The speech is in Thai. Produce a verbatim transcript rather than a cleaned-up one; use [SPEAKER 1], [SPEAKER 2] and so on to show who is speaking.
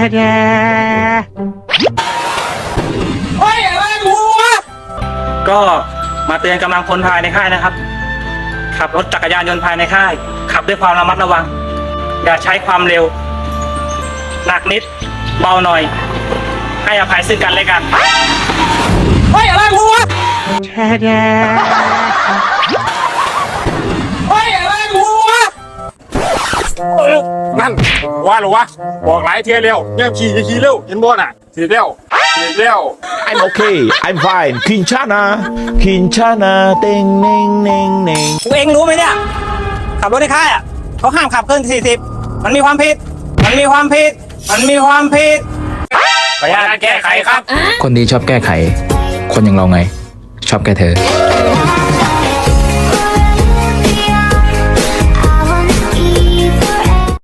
[SPEAKER 1] เฮ้ยอะไรกูวะก็มาเตือนกำลังพลภายในค่ายนะครับขับรถจักรยานยนต์ภายในค่ายขับด้วยความระมัดระวังอย่าใช้ความเร็วหนักนิดเบาหน่อยให้อภัยซึ่งกันและกันเฮ้ยอะไรกูวะเฮ้ยอะไรกูวะ
[SPEAKER 2] นั่นว่าหรอวะบอกหลายเที่ยเร็วเนี่ยขี่ขี่เร็วเห็นบ่น่ะสีเร็วสีเร็ว
[SPEAKER 3] I'm okay I'm fine คินชานาคินชานาเต็งเน่งเน่งเน่ง
[SPEAKER 1] กูเองรู้ไหมเนี่ยขับรถในค่ายอ่ะเขาห้ามขับเกินสี่สิบมันมีความผิดมันมีความผิดมันมีความผิดขออนุญาตแก้ไขครับ
[SPEAKER 4] คนดีชอบแก้ไข คนอย่างเราไง ชอบแก้เธอ